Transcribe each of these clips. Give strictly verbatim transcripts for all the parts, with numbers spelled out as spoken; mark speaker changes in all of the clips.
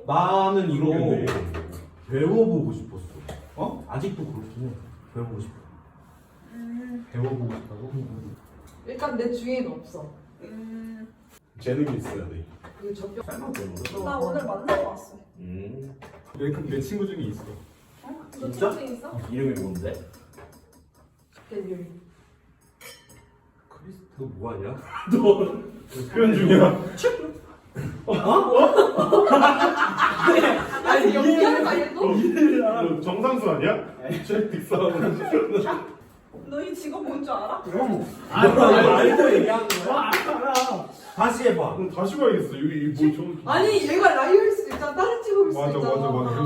Speaker 1: 나는 이거
Speaker 2: 모르겠네.
Speaker 1: 배워보고 싶었어.
Speaker 2: 어?
Speaker 1: 아직도 그렇긴 해. 배워보고 싶어.
Speaker 3: 음,
Speaker 2: 배워보고 싶다고?
Speaker 4: 일단 내 주위에는 없어.
Speaker 3: 음.
Speaker 2: 재능이 있어야 돼.
Speaker 4: 그 접경.
Speaker 1: 쌀만 배워.
Speaker 3: 나 오늘 만나고 왔어.
Speaker 1: 음.
Speaker 2: 내, 내 친구 중에 있어.
Speaker 3: 어? 너
Speaker 1: 진짜?
Speaker 3: 친구 있어?
Speaker 1: 이름이 뭔데?
Speaker 4: 델리.
Speaker 1: 크리스, 너 뭐하냐? 너
Speaker 2: 표현 중이야.
Speaker 4: 아니 연기하는 거 아니야 또?
Speaker 2: 너 정상수 아니야? 잭 딕사운.
Speaker 3: 너희 직업 뭔 줄 알아?
Speaker 1: 말도 얘기하는 거야? 다시 해봐.
Speaker 2: 그럼 다시 봐야겠어. 이거 이거 뭐 좀.
Speaker 4: 아니 얘가 라이어일 수도 있잖아. 다른 직업일 수도
Speaker 2: 맞아
Speaker 4: 있잖아.
Speaker 2: 맞아 맞아.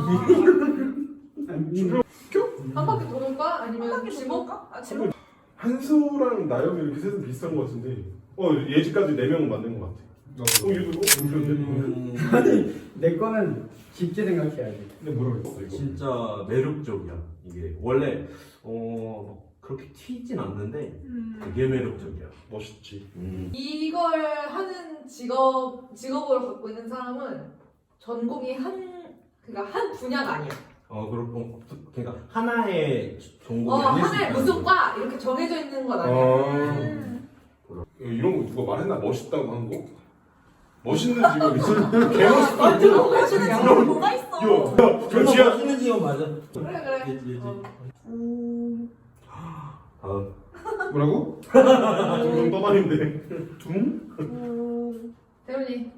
Speaker 4: 한 바퀴 도는 거야? 아니면
Speaker 3: 한 바퀴
Speaker 4: 지목?
Speaker 3: 볼까? 아 지목.
Speaker 2: 한수랑 나영이 이렇게 셋은 비슷한 것 같은데. 어 예지까지 네 명은 맞는 것 같아. 어 얘도 어 그런데.
Speaker 1: 음,
Speaker 5: 내 거는 깊게 생각해야 돼.
Speaker 2: 근데 뭐라고 했어 이거?
Speaker 1: 진짜 매력적이야. 이게 원래 어 그렇게 튀진 않는데
Speaker 3: 음.
Speaker 1: 되게 매력적이야.
Speaker 2: 멋있지.
Speaker 1: 음.
Speaker 4: 이걸 하는 직업 직업을 갖고 있는 사람은 전공이 한 그러니까 한 분야가 아니야.
Speaker 1: 어 그렇고 그러니까 하나의 전공이
Speaker 4: 어
Speaker 1: 아닐 수
Speaker 4: 하나의
Speaker 1: 있다.
Speaker 4: 무슨 과 이렇게 정해져 있는 건 아니야.
Speaker 3: 음.
Speaker 2: 이런 거 누가 말했나? 멋있다고 한 거? 멋있는 직업이지. 개 멋있다.
Speaker 4: 완전
Speaker 3: 멋있는
Speaker 4: 멋있는
Speaker 3: 직업이 뭐가 있어?
Speaker 2: 야, 저 지하.
Speaker 1: 멋있는 직업 맞아.
Speaker 4: 그래 그래.
Speaker 1: 예지 예지.
Speaker 4: 어.
Speaker 3: 음.
Speaker 1: 다음.
Speaker 2: 뭐라고? 좀 떠다닌데. 둥?
Speaker 3: 음.
Speaker 4: 태훈이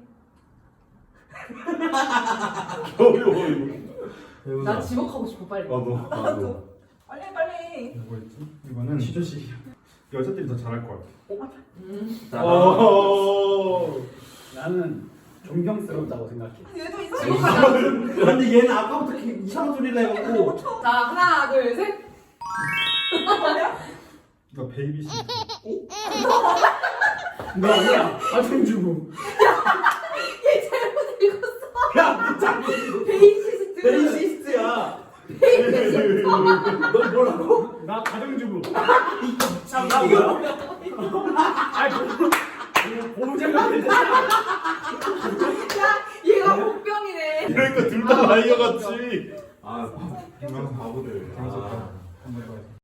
Speaker 2: 어려워 이거.
Speaker 4: 나 지목하고 싶어 빨리.
Speaker 2: 나도 나도.
Speaker 3: 빨리 빨리.
Speaker 2: 뭐였지? 이거는
Speaker 5: 시조씨.
Speaker 2: 여자들이 더 잘할 것 같아.
Speaker 4: 음.
Speaker 1: 자,
Speaker 2: 어.
Speaker 5: 나는 존경스럽다고 생각해.
Speaker 3: 얘도 이상해.
Speaker 4: 지목하자.
Speaker 1: 근데 얘는 아까부터 이렇게 이상한 소리를 해갖고
Speaker 4: 자 하나 둘 셋.
Speaker 2: 나 베이비 씨.
Speaker 5: 너 아니야. 가정주부.
Speaker 4: 얘 잘못 읽었어.
Speaker 1: 야 진짜
Speaker 4: 베이시스트.
Speaker 1: 베이시스트야.
Speaker 5: 너 뭐라고? 나 가정주부.
Speaker 1: 나 뭐야?
Speaker 5: 아이 뭐 보호자가 되잖아.
Speaker 4: 야 얘가 복병이네.
Speaker 2: 그러니까 둘 다 라이어 같지.
Speaker 1: 아, 바보들. 아.